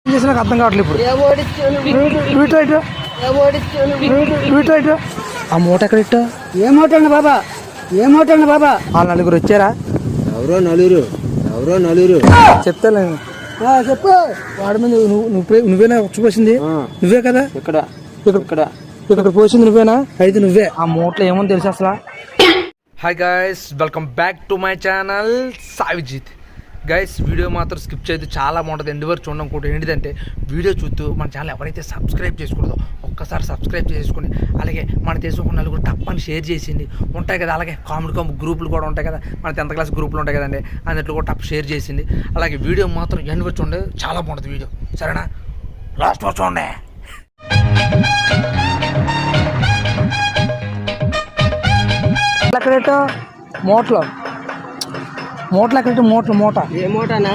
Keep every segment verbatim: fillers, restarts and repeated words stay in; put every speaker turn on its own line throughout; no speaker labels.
చేసి నాకు అర్థం కావట్లేదు ఇప్పుడు. ఆ మూట ఎక్కడ ఇట్టా?
ఏ మూట అండి బాబా? ఏ మూట అండి బాబా?
ఆ నలుగురు వచ్చారా?
ఎవరో నలుగురు ఎవరో నలుగురు
చెప్తాను.
చెప్పు.
వాడి మీద నువ్వు నువ్వు నువ్వేనా వచ్చిపోసింది? నువ్వే కదా
ఇక్కడ ఇక్కడ
ఇక్కడ పోసింది నువ్వేనా? అయితే నువ్వే. ఆ మూటలో ఏమో తెలుసు అసలు. Hi guys, welcome back to my channel Savijit. Guys, video మాత్రం స్కిప్ చేయదు, చాలా బాగుంటుంది. ఎండ్ వరకు చూడడం కూడా ఏంటిదంటే వీడియో చూస్తూ మన ఛానల్ ఎవరైతే సబ్స్క్రైబ్ చేసుకుంటుందో ఒక్కసారి సబ్స్క్రైబ్ చేసుకుని, అలాగే మన దేశం ఒక నలుగురు తప్పని షేర్ చేసింది ఉంటాయి కదా. అలాగే కామెడీ కామెడీ గ్రూపులు కూడా ఉంటాయి కదా, మన టెన్త్ క్లాస్ గ్రూపులు ఉంటాయి కదండి, అన్నింటిలో కూడా తప్ప షేర్ చేసింది. అలాగే వీడియో మాత్రం ఎండ్ వరకు చూడండి, చాలా బాగుంటుంది వీడియో. సరేనా? లాస్ట్ వరకు చూడండి. ఎక్కడేటో మూటలో మూటలు ఎక్కడేటో మూటలు మూట
ఏ మూటనా?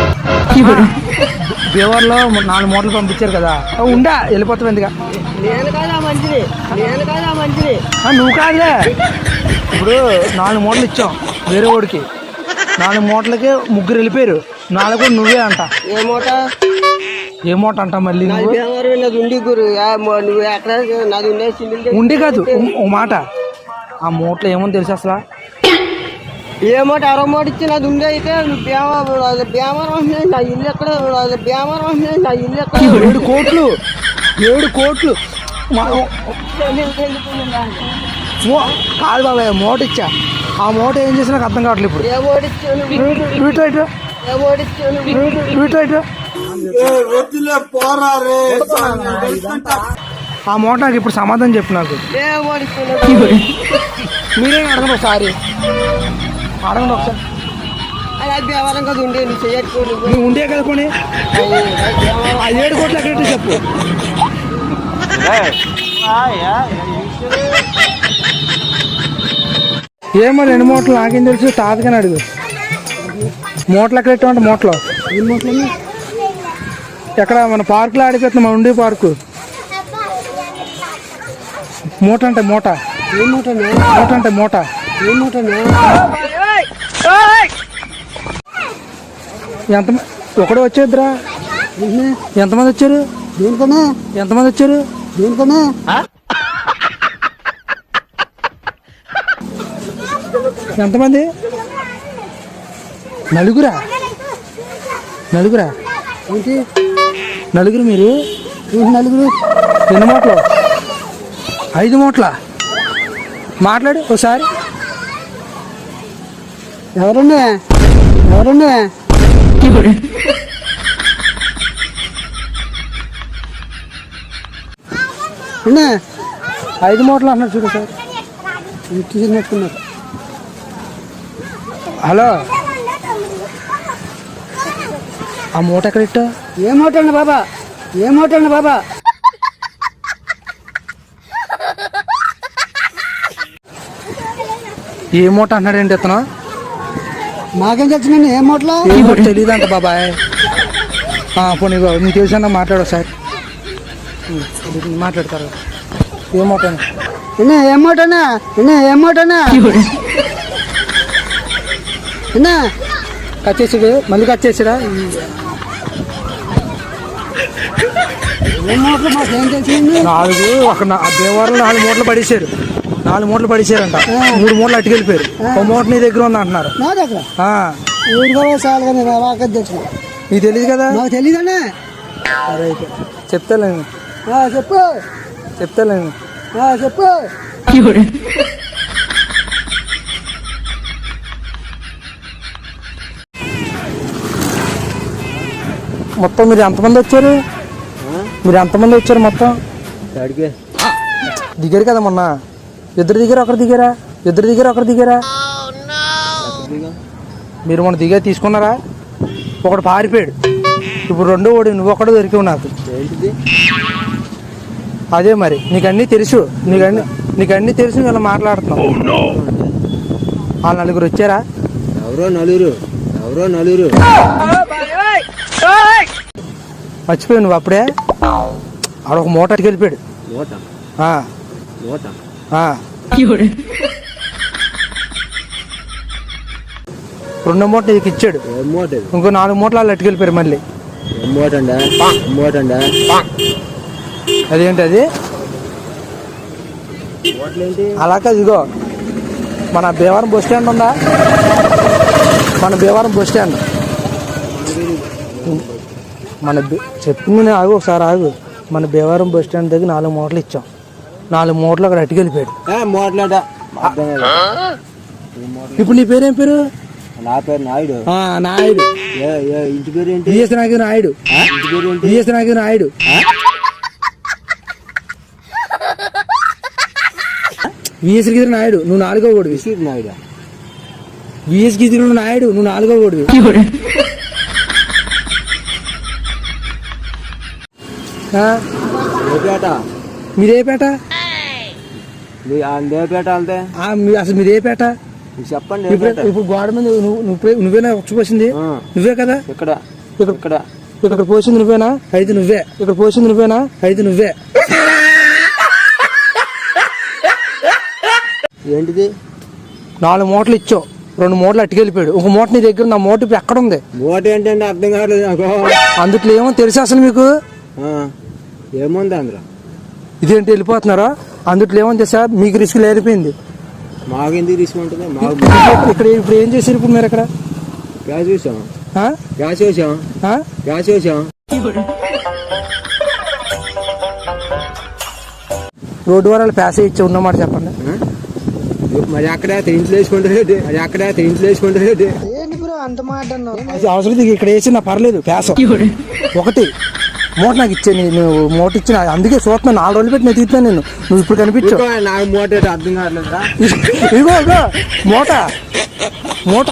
బేవర్లో నాలుగు మూటలు పంపించారు కదా, ఉండా వెళ్ళిపోతావు ఎందుకు?
నేను కాదా మంచిది, నేను కాదా మంచిది.
నువ్వు కాదులే. ఇప్పుడు నాలుగు మూటలు ఇచ్చాం వేరే వాడికి, నాలుగు మూటలకి ముగ్గురు వెళ్ళిపోయారు, నాలుగు కూడా నువ్వే అంట.
ఏ మూట?
ఏ మూట అంట మళ్ళీ?
నాది ఉండి గురు, నువ్వు ఎక్కడ నాది ఉండే
ఉండి కాదు. ఓ మాట, ఆ మూటలో ఏమో తెలుసు అసలు?
ఏ మూట? అరవ మూట ఇచ్చి నాది ఉండే అయితే బేమరం నా ఇల్లు ఎక్కడ? బేమరం నా ఇల్లు ఎక్కడ?
ఏడు కోట్లు ఏడు కోట్లు కాదు బాబాయ్, మూట ఇచ్చా. ఆ మూట ఏం చేసినా నాకు అర్థం కావట్లేదు ఇప్పుడు.
ఏ మూట ఇచ్చాను? ఏ మూట ఇచ్చాను?
ఆ మూట నాకు ఇప్పుడు సమాధానం చెప్పు నాకు.
ఏ మూట ఇచ్చాను?
మీరే అడగండి ఒకసారి, అడగండి ఒకసారి.
అది ఎవరం కదా ఉండే, నువ్వు చేయట్టుకోండి.
నువ్వు ఉండే కదా పోనీ. ఆ ఏడు కోట్లు ఎక్కడైతే చెప్పు. ఏమో రెండు మూటలు నాకేం తెలుసు, తాతకని అడుగు. మూటలు ఎక్కడ పెట్టామంటే మూటలో ఎక్కడ మన పార్కులో ఆడిపోతున్నాం, మన ఉండే పార్కు. మూట అంటే మూట, మూట అంటే మూట. ఎంత ఒకడే వచ్చేద్దురా? ఎంతమంది వచ్చారు?
దేనికనే?
ఎంతమంది వచ్చారు?
దేనికనే?
ఎంతమంది? నలుగురా? నలుగురా?
ఏంటి
నలుగురు? మీరు
నలుగురు?
ఎన్ని మూటలు? ఐదు మూటల? మాట్లాడు ఒకసారి.
ఎవరున్నా ఎవరున్నా?
ఐదు మూటలు అన్నారు చూడు సార్.
చూసినట్టున్నారు.
హలో, ఆ మూట ఎక్కడ ఇట్టా?
ఏ మూట అండి బాబా? ఏ మూట అండి బాబా?
ఏ మూట అంటున్నాడు ఏంటి ఇతను?
మాకేం తెలుసు, ఏ మూటలో
తెలియదు అంట బాబాయ్. పోనీ నీకు తెలిసిన మాట్లాడు సార్, మాట్లాడతారు. ఏ మూట?
ఏ మూటనా? ఏ మూటనా?
కచ్చేసాడు, మళ్ళీ కచ్చేసాడా? నాలుగు ఒక దేవాలయంలో నాలుగు మూటలు పడేసారు, నాలుగు మూటలు పడేసారంట. మూడు మూటలు అట్టుకెళ్ళిపోయారు. ఒక మూట నీ దగ్గర ఉంది అంటున్నారు. నీకు తెలియదు కదా?
నాకు తెలియదనే.
సరే అయితే చెప్తాలేను,
చెప్పు
చెప్తాలేను
చెప్పు.
మొత్తం మీరు ఎంతమంది వచ్చారు? మీరు ఎంతమంది వచ్చారు మొత్తం? దిగారు కదా మొన్న, ఇద్దరు దిగారు ఒకరు దిగారా? ఇద్దరు దిగారు ఒకరు దిగారా? మీరు మొన్న దిగా తీసుకున్నారా? ఒకడు పారిపోయాడు, ఇప్పుడు రెండో ఓడి నువ్వు ఒకడు దొరికివు నాకు. అదే మరి, నీకన్నీ తెలుసు, నీకన్నీ నీకన్నీ తెలుసు, ఇలా మాట్లాడుతున్నావు. ఆ నలుగురు వచ్చారా?
ఎవరో నలుగురు ఎవరో నలుగురు
మర్చిపోయావు నువ్వు అప్పుడే. ఆడ ఒక మూటకి వెళ్ళిపోయాడు. రెండో మూట నీకు ఇచ్చాడు, ఇంకో నాలుగు మూటలు వాళ్ళు అట్టుకెళ్ళిపోయారు. మళ్ళీ
మూట అండి మూట అండి
అదేంటి అది
మూటలేంటి
అలా కాదు, ఇదిగో మన భీమవరం బస్ స్టాండ్ ఉందా, మన భీమవరం బస్ స్టాండ్ మన బి- చెప్పింది నేను ఆగు ఒకసారి ఆగు. మన భీమవరం బస్ స్టాండ్ దగ్గర నాలుగు మూటలు ఇచ్చాం, నాలుగు మూటలు అక్కడ అట్టుకెళ్ళిపోయాడు.
మూటలేట
ఇప్పుడు నీ పేరేం పేరు?
నా పేరు నాయుడు.
ఆ, నాయుడు.
ఏ ఏ ఇంటి పేరు ఏంటి?
బిఎస్ నాయుడు నాయుడు
ఇంటి పేరు ఏంటి?
బిఎస్ నాయుడు నాయుడు విఎస్ గిరి నాయుడు, నువ్వు నాలుగో ఓడివి.
విసిరి నాయుడు.
విఎస్ గిరి నాయుడు, నువ్వు నాలుగో ఓడివి. ఆ,
లేపేట
మీదే పేట?
లేపేట అంతే.
ఆ, మీ- అసలు మీదే పేట?
చెప్పండి
ఇప్పుడు
లేపేట.
ఇప్పుడు గోడ మీద నువ్వు నువ్వే నువ్వేనా వచ్చిపోసింది?
ఆ.
నువ్వే కదా
ఇక్కడ
ఇక్కడ
ఇక్కడ
ఇక్కడ పోసింది నువ్వేనా? అయితే నువ్వే. ఇక్కడ పోసింది నువ్వేనా? అయితే నువ్వే.
ఏంటిది?
నాలుగు మూటలు ఇచ్చావు, రెండు మూటలు అట్టుకెళ్ళిపోయాడు. ఒక మూట నీ దగ్గర, నా మూట ఇప్పుడు ఎక్కడ ఉంది?
మూట ఏంటంటే అర్థం కావట్లేదు నాకు.
అందుట్లో ఏమో తెలుసు అసలు మీకు?
ఆ, ఏముంది అందులో?
ఇదేంటి వెళ్ళిపోతున్నారా? అందుట్లో ఏమో తెలుసా? మీకు రిస్క్ లేరిపోయింది.
మాకు ఎందుకు తీసుకుంటుంది? మాకు
ఇక్కడ ఇప్పుడు ఏం చేశారు ఇప్పుడు మీరు ఇక్కడ?
గ్యాస్ వేసాం
ఆ?
గ్యాస్ వేసాం
ఆ?
గ్యాస్ వేసాం
రోడ్డు వారాలు ప్యాసే ఇచ్చి ఉన్నమాట చెప్పండి.
ఆ? మరి అక్కడ ఇంట్లో వేసుకుంటారు, మరి అక్కడ ఇంట్లో వేసుకుంటారు.
అది అవసరం లేదు, ఇక్కడ వేసి నా పర్లేదు ప్యాస ఒకటి మూట నాకు ఇచ్చే. నువ్వు మూట ఇచ్చిన అందుకే చూస్తున్నాను, నాలుగు రోజులు పెట్టి నేను తీస్తున్నాను నేను. నువ్వు ఇప్పుడు కనిపించు.
నాకు మూట ఏంటో అర్థం కావట్లేదురా.
ఇగో ఇగో మూట మూట